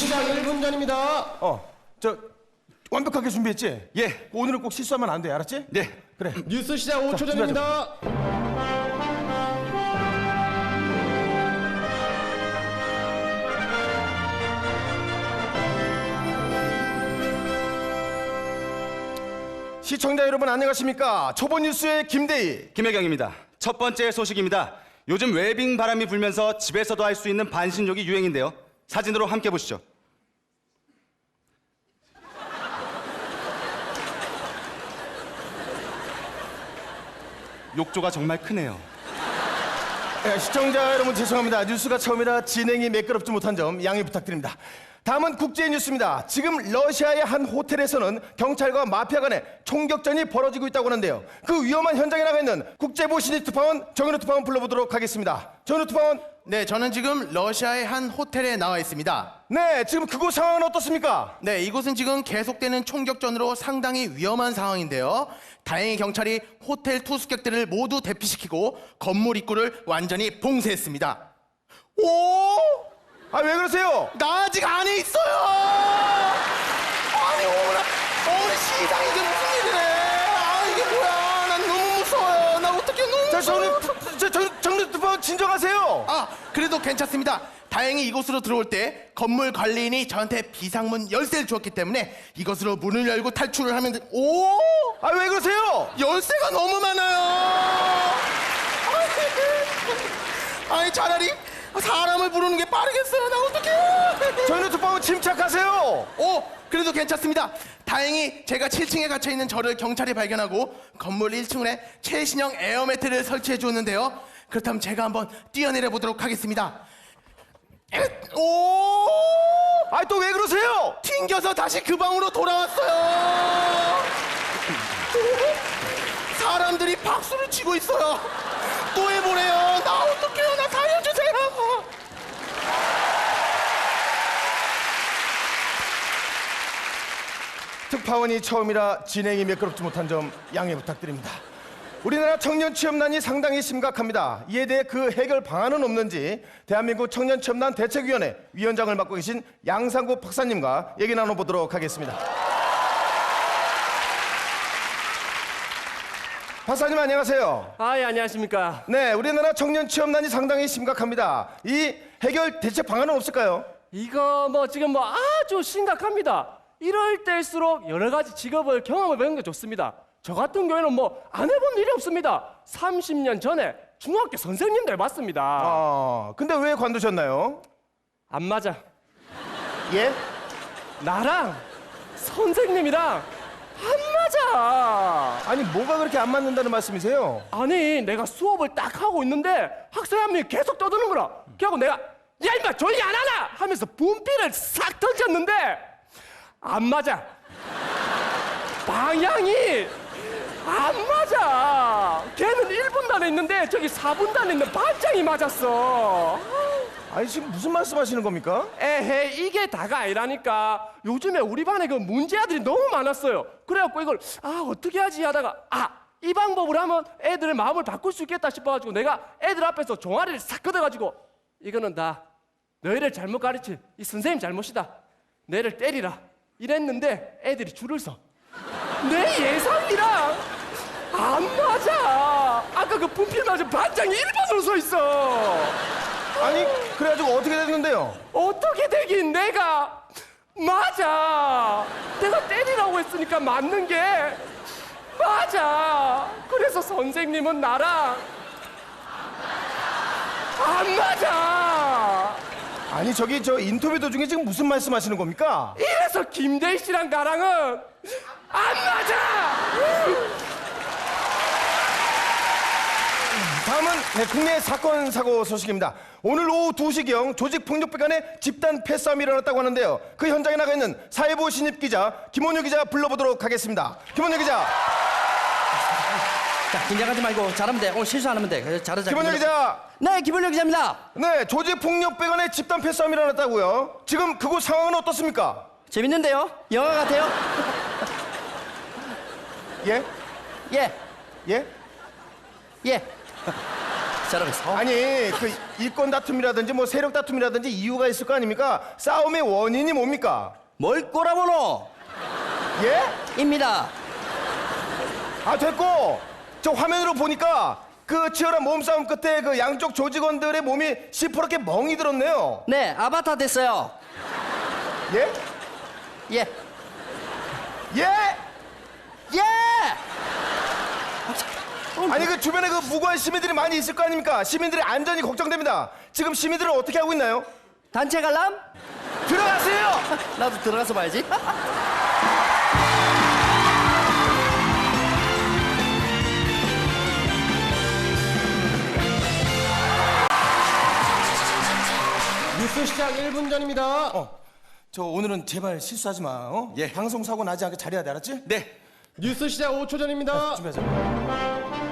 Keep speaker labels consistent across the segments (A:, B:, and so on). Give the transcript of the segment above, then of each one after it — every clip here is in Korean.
A: 시작 1분 전입니다.
B: 저 완벽하게 준비했지?
C: 예.
B: 오늘은 꼭 실수하면 안 돼, 알았지?
C: 네.
B: 그래.
A: 뉴스 시작 5초 전입니다.
B: 시청자 여러분 안녕하십니까? 초보 뉴스의 김대희.
C: 김혜경입니다. 첫 번째 소식입니다. 요즘 웨빙 바람이 불면서 집에서도 할 수 있는 반신욕이 유행인데요. 사진으로 함께 보시죠. 욕조가 정말 크네요.
B: 시청자 여러분 죄송합니다. 뉴스가 처음이라 진행이 매끄럽지 못한 점 양해 부탁드립니다. 다음은 국제 뉴스입니다. 지금 러시아의 한 호텔에서는 경찰과 마피아 간의 총격전이 벌어지고 있다고 하는데요. 그 위험한 현장에 나가 있는 국제부 신입 특파원 정현우 특파원 불러보도록 하겠습니다. 정현우 특파원.
D: 네, 저는 지금 러시아의 한 호텔에 나와 있습니다.
B: 네, 지금 그곳 상황은 어떻습니까?
D: 네, 이곳은 지금 계속되는 총격전으로 상당히 위험한 상황인데요. 다행히 경찰이 호텔 투숙객들을 모두 대피시키고 건물 입구를 완전히 봉쇄했습니다. 오!
B: 아, 왜 그러세요?
D: 나 아직 안에 있어요! 아니, 어머나 시장이 이게 무슨 일이래? 아, 이게 뭐야? 난 너무 무서워요. 나 어떻게 너무 무서워.
B: 정현우 특파원 진정하세요.
D: 아, 그래도 괜찮습니다. 다행히 이곳으로 들어올 때 건물 관리인이 저한테 비상문 열쇠를 주었기 때문에 이것으로 문을 열고 탈출을 하면 오!
B: 아, 왜 그러세요?
D: 열쇠가 너무 많아요. 아니 차라리 사람을 부르는 게 빠르겠어요. 나 어떡해.
B: 정현우 특파원 침착하세요.
D: 오, 그래도 괜찮습니다. 다행히 제가 7층에 갇혀 있는 저를 경찰이 발견하고 건물 1층에 최신형 에어매트를 설치해 주었는데요. 그렇다면 제가 한번 뛰어내려 보도록 하겠습니다. 오!
B: 아, 또 왜 그러세요?
D: 튕겨서 다시 그 방으로 돌아왔어요. 사람들이 박수를 치고 있어요. 또 해보래요. 나 어떡해요. 나 살려주세요.
B: 특파원이 처음이라 진행이 매끄럽지 못한 점 양해 부탁드립니다. 우리나라 청년 취업난이 상당히 심각합니다. 이에 대해 그 해결 방안은 없는지 대한민국 청년 취업난 대책위원회 위원장을 맡고 계신 양상구 박사님과 얘기 나눠보도록 하겠습니다. 박사님 안녕하세요.
E: 예, 안녕하십니까.
B: 네, 우리나라 청년 취업난이 상당히 심각합니다. 이 해결 대책 방안은 없을까요?
E: 이거 지금 아주 심각합니다. 이럴 때일수록 여러 가지 직업을 경험해 보는 게 좋습니다. 저 같은 경우에는 안 해본 일이 없습니다. 30년 전에 중학교 선생님들 맞습니다.
B: 근데 왜 관두셨나요?
E: 안 맞아.
B: 예?
E: 나랑 선생님이랑 안 맞아.
B: 아니 뭐가 그렇게 안 맞는다는 말씀이세요?
E: 아니 내가 수업을 딱 하고 있는데 학생 한 명이 계속 떠드는 거라. 그래갖고 내가 야 임마 조용히 안 하나 하면서 분필을 싹 던졌는데 안 맞아. 방향이 안 맞아. 걔는 1분단에 있는데 저기 4분단에 있는 반장이 맞았어.
B: 아니 지금 무슨 말씀하시는 겁니까?
E: 에헤 이게 다가 아니라니까. 요즘에 우리 반에 그 문제 아들이 너무 많았어요. 그래갖고 이걸 어떻게 하지 하다가 이 방법으로 하면 애들의 마음을 바꿀 수 있겠다 싶어가지고 내가 애들 앞에서 종아리를 싹 걷어가지고 이거는 다 너희를 잘못 가르친 이 선생님 잘못이다. 너희를 때리라 이랬는데 애들이 줄을 서. 내 예상이랑 안 맞아. 아까 그 분필 맞은 반장이 1번으로 서 있어.
B: 아니 그래가지고 어떻게 됐는데요?
E: 어떻게 되긴 내가 맞아. 내가 때리라고 했으니까 맞는 게 맞아. 그래서 선생님은 나랑 안 맞아.
B: 아니 저기 저 인터뷰 도중에 지금 무슨 말씀하시는 겁니까?
E: 이래서 김대희 씨랑 나랑은 안 맞아.
B: 다음은 국내 사건 사고 소식입니다. 오늘 오후 2시경 조직폭력배 간의 집단 패싸움이 일어났다고 하는데요. 그 현장에 나가 있는 사회부 신입 기자 김원효 기자 불러보도록 하겠습니다. 김원효 기자.
F: 자, 긴장하지 말고 잘하면 돼. 오늘 실수 안 하면 돼. 잘하자.
B: 김원효 기자.
F: 네, 김원효 기자입니다.
B: 네, 조직폭력배 간의 집단 패싸움이 일어났다고요. 지금 그곳 상황은 어떻습니까?
F: 재밌는데요? 영화 같아요?
B: 예?
F: 예,
B: 예?
F: 예. 잘하고 있어.
B: 아니 그 이권 다툼이라든지 뭐 세력 다툼이라든지 이유가 있을 거 아닙니까? 싸움의 원인이 뭡니까?
F: 뭘 꼬라보노?
B: 예?
F: 입니다.
B: 아 됐고 저 화면으로 보니까 그 치열한 몸싸움 끝에 그 양쪽 조직원들의 몸이 시퍼렇게 멍이 들었네요.
F: 네, 아바타 됐어요.
B: 예?
F: 예.
B: 예?
F: 예!
B: 아니 그 주변에 그 무고한 시민들이 많이 있을 거 아닙니까? 시민들의 안전이 걱정됩니다. 지금 시민들은 어떻게 하고 있나요?
F: 단체 관람?
B: 들어가세요.
F: 나도 들어가서 봐야지.
A: 뉴스 시작 1분 전입니다.
B: 저 오늘은 제발 실수하지 마. 어?
C: 예.
B: 방송 사고 나지 않게 잘해야 돼, 알았지?
C: 네.
A: 뉴스 시작 5초 전입니다.
B: 준비하자.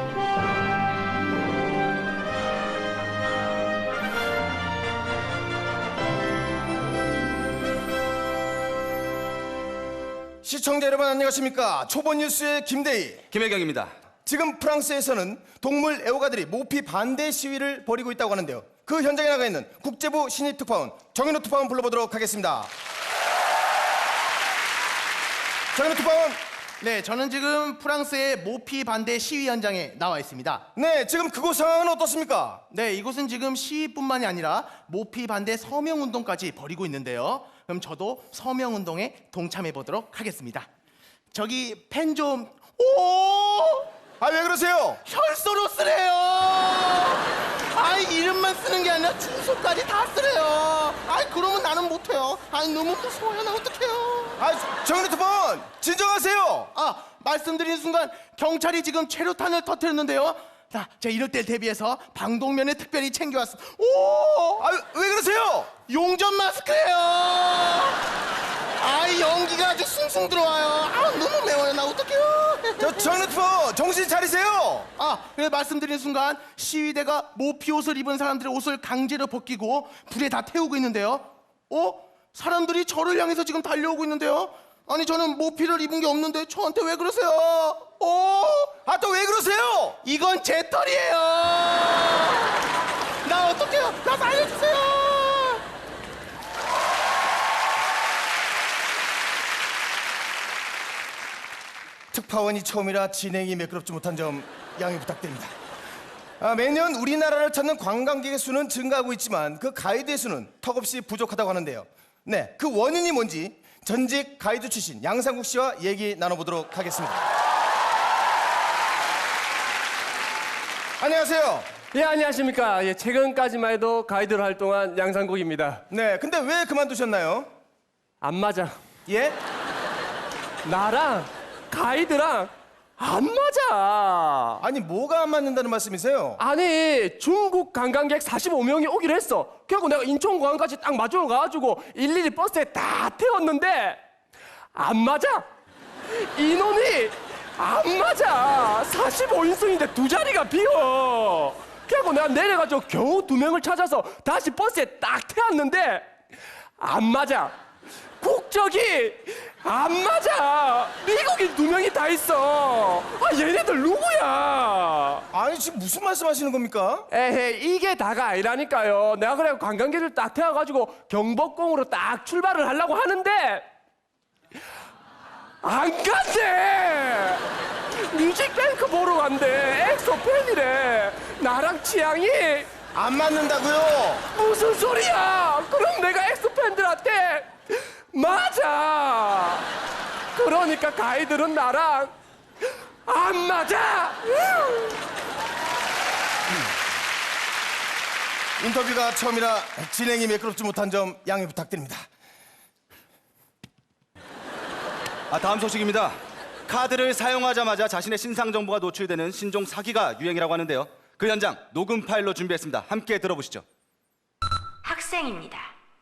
B: 시청자 여러분 안녕하십니까? 초보 뉴스의 김대희.
C: 김혜경입니다.
B: 지금 프랑스에서는 동물 애호가들이 모피 반대 시위를 벌이고 있다고 하는데요. 그 현장에 나가 있는 국제부 신입 특파원 정인호 특파원 불러보도록 하겠습니다. 정인호 특파원.
D: 네, 저는 지금 프랑스의 모피 반대 시위 현장에 나와 있습니다.
B: 네, 지금 그곳 상황은 어떻습니까?
D: 네, 이곳은 지금 시위뿐만이 아니라 모피 반대 서명 운동까지 벌이고 있는데요. 그럼 저도 서명 운동에 동참해 보도록 하겠습니다. 저기 펜 좀. 오!
B: 아, 왜 그러세요?
D: 혈서로 쓰래요. 아이, 이름만 쓰는 게 아니라 주소까지 다 쓰래요. 아이, 그러면 나는 못해요. 아이, 너무 무서워요. 나 어떡해요.
B: 아, 정인호 특파원 진정하세요.
D: 아, 말씀드린 순간 경찰이 지금 최루탄을 터뜨렸는데요. 자, 제가 이럴 때 대비해서 방독면을 특별히 챙겨왔어. 오!
B: 아, 왜 그러세요?
D: 용접 마스크예요. 아, 연기가 아주 숭숭 들어와요. 아, 너무 매워요. 나 어떡해요.
B: 저 정인호 특파원 정신 차리세요.
D: 아, 그래 말씀드린 순간 시위대가 모피 옷을 입은 사람들의 옷을 강제로 벗기고 불에 다 태우고 있는데요. 사람들이 저를 향해서 지금 달려오고 있는데요. 아니, 저는 모피를 입은 게 없는데 저한테 왜 그러세요?
B: 아, 또 왜 그러세요?
D: 이건 제 털이에요. 나 어떡해요? 나 살려주세요.
B: 특파원이 처음이라 진행이 매끄럽지 못한 점 양해 부탁드립니다. 매년 우리나라를 찾는 관광객의 수는 증가하고 있지만 그 가이드의 수는 턱없이 부족하다고 하는데요. 네, 그 원인이 뭔지 전직 가이드 출신 양상국 씨와 얘기 나눠보도록 하겠습니다. 안녕하세요.
E: 예, 안녕하십니까. 예, 최근까지만 해도 가이드로 활동한 양상국입니다.
B: 네, 근데 왜 그만두셨나요?
E: 안 맞아.
B: 예?
E: 나랑 가이드랑 안 맞아.
B: 아니 뭐가 안 맞는다는 말씀이세요?
E: 아니, 중국 관광객 45명이 오기로 했어. 결국 내가 인천공항까지 딱 마주러 가가지고 일일이 버스에 다 태웠는데 안 맞아. 인원이 안 맞아. 45인승인데 두 자리가 비어. 결국 내가 내려가지고 겨우 2명을 찾아서 다시 버스에 딱 태웠는데 안 맞아. 국적이 안 맞아. 미국인 2명이 다 있어. 아, 얘네들 누구야?
B: 아니 지금 무슨 말씀하시는 겁니까?
E: 에헤, 이게 다가 아니라니까요. 내가 그래 관광객을 딱 태워가지고 경복궁으로 딱 출발을 하려고 하는데 안 간대. 뮤직뱅크 보러 간대. 엑소 팬이래. 나랑 취향이
B: 안 맞는다고요?
E: 무슨 소리야? 그럼 내가 엑소 팬들한테 맞아. 그러니까 가이드는 나랑 안 맞아.
B: 인터뷰가 처음이라 진행이 매끄럽지 못한 점 양해 부탁드립니다.
C: 다음 소식입니다. 카드를 사용하자마자 자신의 신상 정보가 노출되는 신종 사기가 유행이라고 하는데요. 그 현장 녹음 파일로 준비했습니다. 함께 들어보시죠.
G: 학생입니다.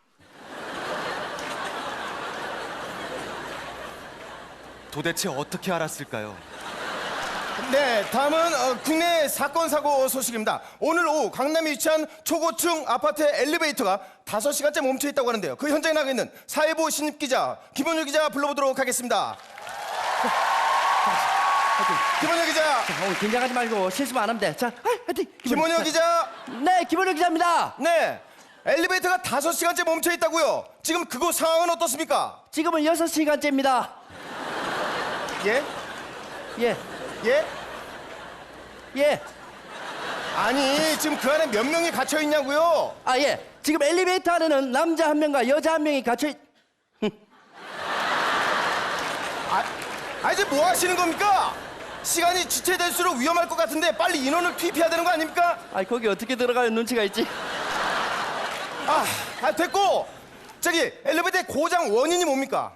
C: 도대체 어떻게 알았을까요?
B: 네, 다음은 국내 사건 사고 소식입니다. 오늘 오후 강남에 위치한 초고층 아파트 엘리베이터가 5시간째 멈춰 있다고 하는데요. 그 현장에 나가 있는 사회부 신입 기자 김원율 기자 불러보도록 하겠습니다. 김원혁 기자.
F: 오늘 긴장하지 말고 실수만 안 하면 돼. 자, 화이팅!
B: 김원혁 기자.
F: 네, 김원혁 기자입니다.
B: 네. 엘리베이터가 5시간째 멈춰 있다고요. 지금 그곳 상황은 어떻습니까?
F: 지금은 6시간째입니다.
B: 예?
F: 예,
B: 예?
F: 예.
B: 아니, 지금 그 안에 몇 명이 갇혀 있냐고요?
F: 아, 예. 지금 엘리베이터 안에는 남자 한 명과 여자 한 명이 갇혀 있...
B: 이제 뭐 하시는 겁니까? 시간이 지체될수록 위험할 것 같은데 빨리 인원을 투입해야 되는 거 아닙니까?
F: 아, 거기 어떻게 들어가요? 눈치가 있지?
B: 됐고. 저기 엘리베이터의 고장 원인이 뭡니까?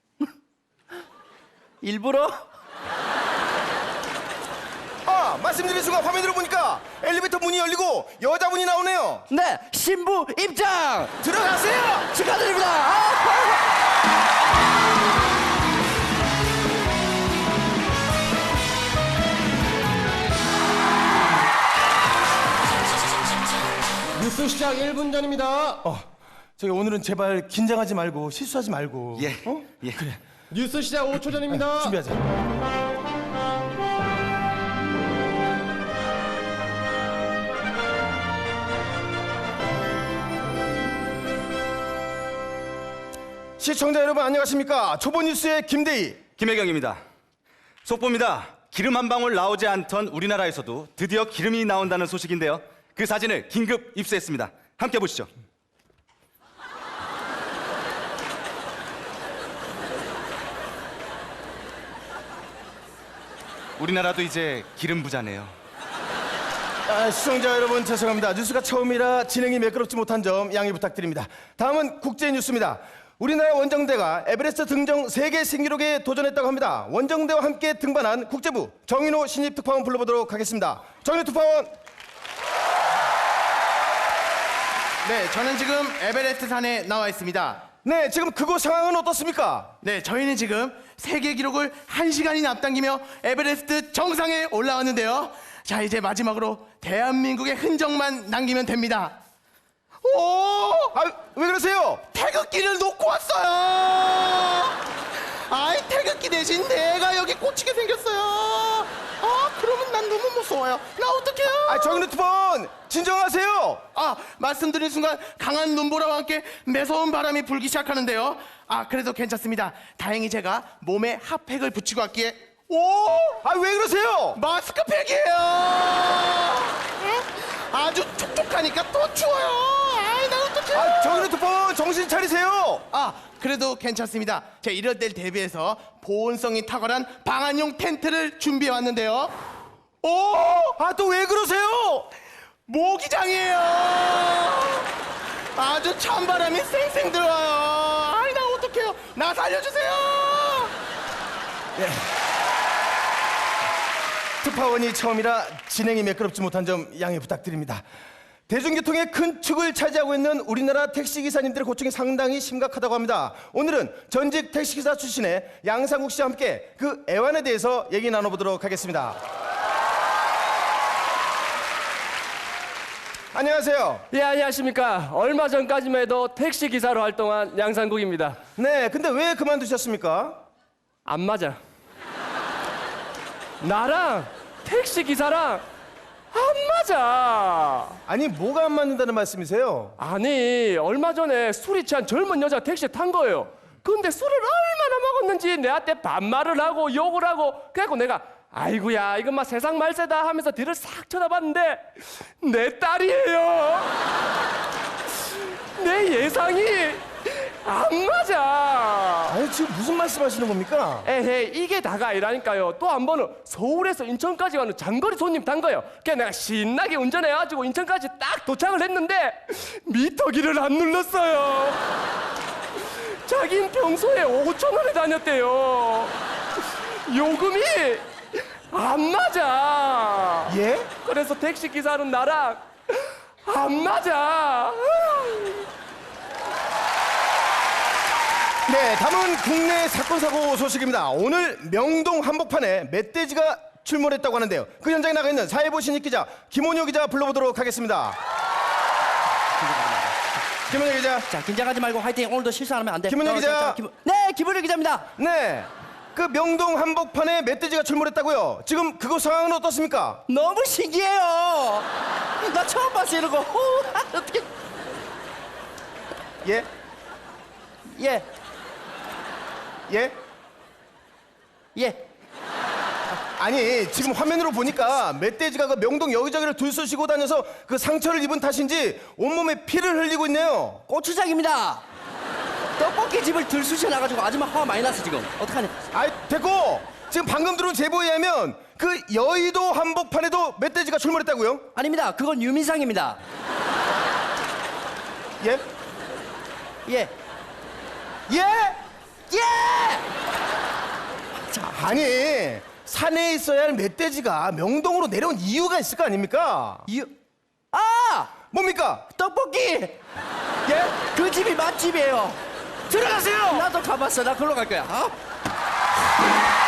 F: 일부러?
B: 말씀드린 순간 화면으로 보니까 엘리베이터 문이 열리고 여자분이 나오네요.
F: 네, 신부 입장!
B: 들어가세요.
F: 축하드립니다! 아!
A: 뉴스 시작 1분 전입니다.
B: 저기 오늘은 제발 긴장하지 말고 실수하지 말고.
C: 예. 예.
B: 그래.
A: 뉴스 시작 5초 전입니다.
B: 준비하자. 시청자 여러분 안녕하십니까? 초보 뉴스의 김대희.
C: 김혜경입니다. 속보입니다. 기름 한 방울 나오지 않던 우리나라에서도 드디어 기름이 나온다는 소식인데요. 그 사진을 긴급 입수했습니다. 함께 보시죠. 우리나라도 이제 기름 부자네요.
B: 시청자 여러분 죄송합니다. 뉴스가 처음이라 진행이 매끄럽지 못한 점 양해 부탁드립니다. 다음은 국제 뉴스입니다. 우리나라 원정대가 에베레스트 등정 세계 신기록에 도전했다고 합니다. 원정대와 함께 등반한 국제부 정인호 신입 특파원 불러보도록 하겠습니다. 정인호 특파원.
D: 네, 저는 지금 에베레스트 산에 나와 있습니다.
B: 네, 지금 그곳 상황은 어떻습니까?
D: 네, 저희는 지금 세계 기록을 1시간이나 앞당기며 에베레스트 정상에 올라왔는데요. 자, 이제 마지막으로 대한민국의 흔적만 남기면 됩니다. 오!
B: 왜 그러세요?
D: 태극기를 놓고 왔어요. 아이, 태극기 대신 내가 여기 꽂히게 생겼어요. 그러면 난 너무 무서워요. 나 어떡해요?
B: 정인호 특파원 진정하세요.
D: 말씀드린 순간 강한 눈보라와 함께 매서운 바람이 불기 시작하는데요. 그래도 괜찮습니다. 다행히 제가 몸에 핫팩을 붙이고 왔기에
B: 왜 그러세요?
D: 마스크팩이에요. 아주 촉촉하니까 또 추워요. 나 어떡해.
B: 정인호 특파원 정신 차리세요.
D: 그래도 괜찮습니다. 제가 이럴 때를 대비해서 보온성이 탁월한 방한용 텐트를 준비해 왔는데요.
B: 또 왜 그러세요?
D: 모기장이에요. 아주 찬바람이 쌩쌩 들어와요. 나 어떡해요. 나 살려주세요.
B: 특파원이 처음이라 진행이 매끄럽지 못한 점 양해 부탁드립니다. 대중교통의 큰 축을 차지하고 있는 우리나라 택시기사님들의 고충이 상당히 심각하다고 합니다. 오늘은 전직 택시기사 출신의 양상국 씨와 함께 그 애환에 대해서 얘기 나눠보도록 하겠습니다. 안녕하세요.
E: 예, 안녕하십니까. 얼마 전까지만 해도 택시 기사로 활동한 양상국입니다.
B: 네, 근데 왜 그만두셨습니까?
E: 안 맞아. 나랑 택시 기사랑 안 맞아.
B: 아니, 뭐가 안 맞는다는 말씀이세요?
E: 아니, 얼마 전에 술이 취한 젊은 여자 택시에 탄 거예요. 근데 술을 얼마나 먹었는지 내한테 반말을 하고 욕을 하고, 그래갖고 내가 아이고야, 이건 막 세상 말세다 하면서 뒤를 싹 쳐다봤는데 내 딸이에요. 내 예상이 안 맞아.
B: 아니, 지금 무슨 말씀하시는 겁니까?
E: 에헤이, 이게 다가 아니라니까요. 또 한 번은 서울에서 인천까지 가는 장거리 손님 탄 거예요. 그래서 내가 신나게 운전해가지고 인천까지 딱 도착을 했는데 미터기를 안 눌렀어요. 자긴 평소에 5,000원에 다녔대요. 요금이 안 맞아.
B: 예?
E: 그래서 택시 기사는 나랑 안 맞아.
B: 네, 다음은 국내 사건 사고 소식입니다. 오늘 명동 한복판에 멧돼지가 출몰했다고 하는데요. 그 현장에 나가 있는 사회부 신입 기자 김원효 기자 불러보도록 하겠습니다. 김원효 기자.
F: 자, 긴장하지 말고 화이팅! 오늘도 실수 안 하면 안 돼.
B: 김은혜 기자.
F: 네, 김은혜 기자입니다.
B: 네. 그 명동 한복판에 멧돼지가 출몰했다고요. 지금 그곳 상황은 어떻습니까?
F: 너무 신기해요. 나 처음 봤어 이런 거. 어떻게?
B: 예?
F: 예,
B: 예?
F: 예.
B: 아니 지금 화면으로 보니까 멧돼지가 그 명동 여기저기를 들쑤시고 다녀서 그 상처를 입은 탓인지 온몸에 피를 흘리고 있네요.
F: 고추장입니다. 떡볶이 집을 들쑤셔 나가지고 아줌마 화가 많이 났어 지금. 어떡하냐?
B: 아이 됐고 지금 방금 들어온 제보에 의하면 그 여의도 한복판에도 멧돼지가 출몰했다고요?
F: 아닙니다. 그건 유민상입니다.
B: 예?
F: 예,
B: 예?
F: 예.
B: 아니 산에 있어야 할 멧돼지가 명동으로 내려온 이유가 있을 거 아닙니까?
F: 아,
B: 뭡니까?
F: 떡볶이.
B: 예?
F: 그 집이 맛집이에요.
B: 들어가세요!
F: 나도 가봤어. 나 그걸로 갈 거야. 어?